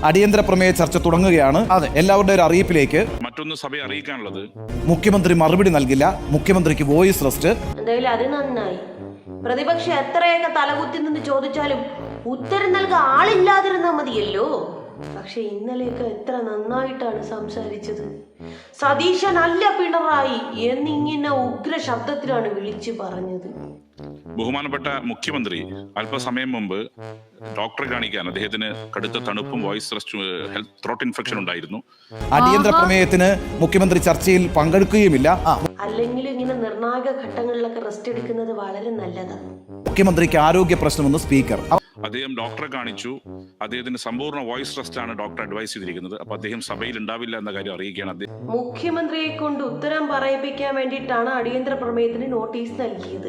അടിയന്തര പ്രമേയ ചർച്ച തുടങ്ങുകയാണ്. എല്ലാവരുടെ ഒരു അറിയിപ്പിലേക്ക്. മറ്റൊന്ന് സഭയെ അറിയിക്കാനുള്ളത്, മുഖ്യമന്ത്രി മറുപടി നൽകില്ല. മുഖ്യമന്ത്രിക്ക് വോയിസ് റെസ്റ്റ്. എന്തായാലും അത് നന്നായി. പ്രതിപക്ഷം എത്രയൊക്കെ തലകുത്തി നിന്ന് ചോദിച്ചാലും ഉത്തരം നൽകാൻ ആളില്ലാതിരുന്നാ മതിയല്ലോ. പക്ഷെ ഇന്നലെയൊക്കെ എത്ര നന്നായിട്ടാണ് സംസാരിച്ചത്. സതീശനല്ല പിണറായി എന്നിങ്ങനെ ഉഗ്ര ശബ്ദത്തിലാണ് വിളിച്ചു പറഞ്ഞത്. ബഹുമാനപ്പെട്ട മുഖ്യമന്ത്രി അല്പസമയം മുമ്പ് ഡോക്ടറെ കാണിക്കാൻ അദ്ദേഹത്തിന് കടുത്ത തണുപ്പും വോയിസ് ഹെൽത്ത് ത്രോട്ട് ഇൻഫെക്ഷൻ ഉണ്ടായിരുന്നു. അടിയന്തര പ്രമേയത്തിന് മുഖ്യമന്ത്രി ചർച്ചയിൽ പങ്കെടുക്കുകയുമില്ല. അല്ലെങ്കിൽ ഇങ്ങനെ നിർണായക ഘട്ടങ്ങളിലൊക്കെ റെസ്റ്റ് എടുക്കുന്നത് വളരെ നല്ലതാണ്. മുഖ്യമന്ത്രിക്ക് ആരോഗ്യ പ്രശ്നമെന്ന് സ്പീക്കർ. അദ്ദേഹം ഡോക്ടറെ കാണിച്ചു. അദ്ദേഹത്തിന് സമ്പൂർണ്ണ വോയിസ് റെസ്റ്റ് ആണ് ഡോക്ടർ അഡ്വൈസ് ചെയ്തിരിക്കുന്നത്. അപ്പൊ അദ്ദേഹം സഭയിൽ ഉണ്ടാവില്ല എന്ന കാര്യം അറിയിക്കുകയാണ്. അദ്ദേഹം മുഖ്യമന്ത്രിയെ കൊണ്ട് ഉത്തരം പറയിപ്പിക്കാൻ വേണ്ടിയിട്ടാണ് അടിയന്തര പ്രമേയത്തിന് നോട്ടീസ് നൽകിയത്.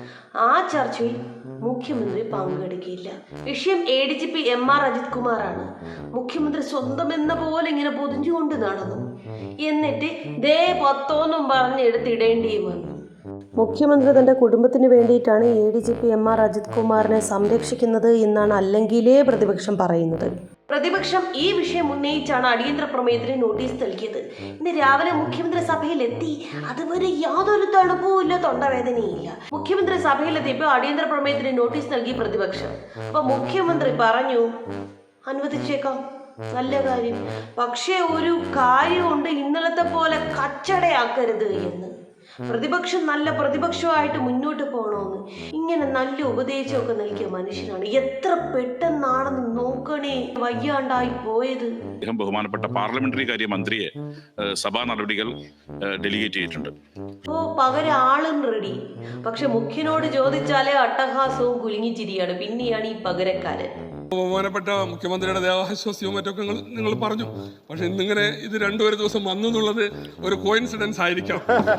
ആ ചർച്ചയിൽ മുഖ്യമന്ത്രി പങ്കെടുക്കില്ല. വിഷയം ADGP MR അജിത് കുമാറാണ്. മുഖ്യമന്ത്രി സ്വന്തം എന്ന പോലെ ഇങ്ങനെ പൊതിഞ്ഞുകൊണ്ട് നടന്നു. എന്നിട്ട് ദേ പത്തോന്നും പറഞ്ഞെടുത്തിടേണ്ടിയും വന്നു. മുഖ്യമന്ത്രി തന്റെ കുടുംബത്തിന് വേണ്ടിയിട്ടാണ് ADGP MR അജിത് കുമാറിനെ സംരക്ഷിക്കുന്നത് എന്നാണ് അല്ലെങ്കിലേ പ്രതിപക്ഷം പറയുന്നത്. പ്രതിപക്ഷം ഈ വിഷയം ഉന്നയിച്ചാണ് അടിയന്തര പ്രമേയത്തിന് നോട്ടീസ് നൽകിയത്. ഇന്ന് രാവിലെ മുഖ്യമന്ത്രി സഭയിലെത്തി. അതുവരെ യാതൊരു തണുപ്പും ഇല്ല, തൊണ്ടവേദനയില്ല. മുഖ്യമന്ത്രി സഭയിലെത്തിയപ്പോൾ അടിയന്തര പ്രമേയത്തിന് നോട്ടീസ് നൽകി പ്രതിപക്ഷം. അപ്പൊ മുഖ്യമന്ത്രി പറഞ്ഞു അനുവദിച്ചേക്കാം, നല്ല കാര്യം. പക്ഷേ ഒരു കാര്യമുണ്ട്, ഇന്നലത്തെ പോലെ കച്ചടയാക്കരുത് എന്ന്. പ്രതിപക്ഷം നല്ല പ്രതിപക്ഷമായിട്ട് മുന്നോട്ട് പോകണമെന്ന് ഇങ്ങനെ നല്ല ഉപദേശമൊക്കെ നൽകിയ മനുഷ്യനാണ്. എത്ര പെട്ടെന്നാണെന്ന് നോക്കണേ വയ്യാണ്ടായി പോയത്. അദ്ദേഹം ബഹുമാനപ്പെട്ട പാർലമെന്ററി കാര്യ മന്ത്രിയെ സഭാ നടപടികൾ ഡെലിഗേറ്റ് ചെയ്തിട്ടുണ്ട്. പകരം ആളും റെഡി. പക്ഷെ മുഖ്യനോട് ചോദിച്ചാലേ അട്ടഹാസവും കുലുങ്ങിച്ചിരിയാണ്. പിന്നെയാണ് ഈ പകരക്കാരൻ. ബഹുമാനപ്പെട്ട മുഖ്യമന്ത്രിയുടെ ദേഹാശ്വാസ്യവും മറ്റൊക്കെ നിങ്ങൾ പറഞ്ഞു. പക്ഷെ ഇന്നിങ്ങനെ ഇത് രണ്ടുപേരും ദിവസം വന്നു എന്നുള്ളത് ഒരു കോയിൻസിഡൻസ് ആയിരിക്കാം.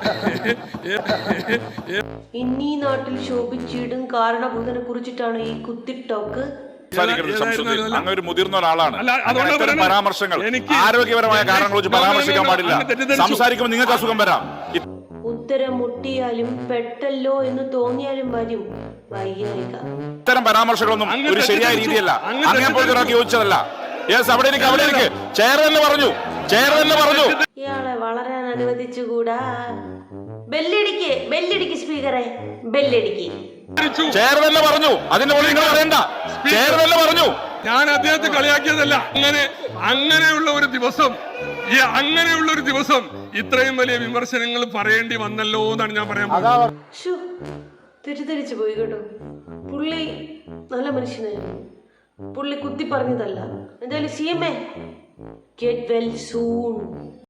ഇന്നീ നാട്ടിൽ ശോഭിച്ചിടും കാരണഭൂതനെ കുറിച്ചിട്ടാണ് ഈ കുത്തിട്ടോക്ക്. ഒരു മുതിർന്ന ഒരാളാണ്. പരാമർശങ്ങൾ ആരോഗ്യപരമായ കാരണങ്ങൾ വെച്ച് പരാമർശിക്കാൻ പാടില്ല. സംസാരിക്കുമ്പോൾ നിങ്ങൾക്ക് അസുഖം വരാം. ഉത്തരം മുട്ടിയാലും പെട്ടല്ലോ എന്ന് തോന്നിയാലും വരും വൈകാരിക. ഇത്തരം പരാമർശങ്ങളൊന്നും ഒരു ശരിയായ രീതിയല്ല. അങ്ങനെ പോലൊരാൾക്ക് യോജിച്ചതല്ല. ഇയാളെ വളരാൻ അനുവദിച്ചുകൂടാ. ബെല്ലടിക്ക് സ്പീക്കറെ, ബെല്ലടിക്ക്. പറഞ്ഞു. അതിന്റെ പോലെ നിങ്ങൾ പറയണ്ട. പറഞ്ഞു. ഞാൻ അദ്ദേഹത്തെ കളിയാക്കിയതല്ല. അങ്ങനെയുള്ള ഒരു ദിവസം ഇത്രയും വലിയ വിമർശനങ്ങൾ പറയേണ്ടി വന്നല്ലോ എന്നാണ് ഞാൻ പറയാൻ പോകുന്നത്. തെറ്റിദ്ധരിച്ചു പോയി കേട്ടോ. പുള്ളി നല്ല മനുഷ്യനായിരുന്നു. പുള്ളി കുത്തി പറഞ്ഞതല്ല. എന്തായാലും CMA get well soon.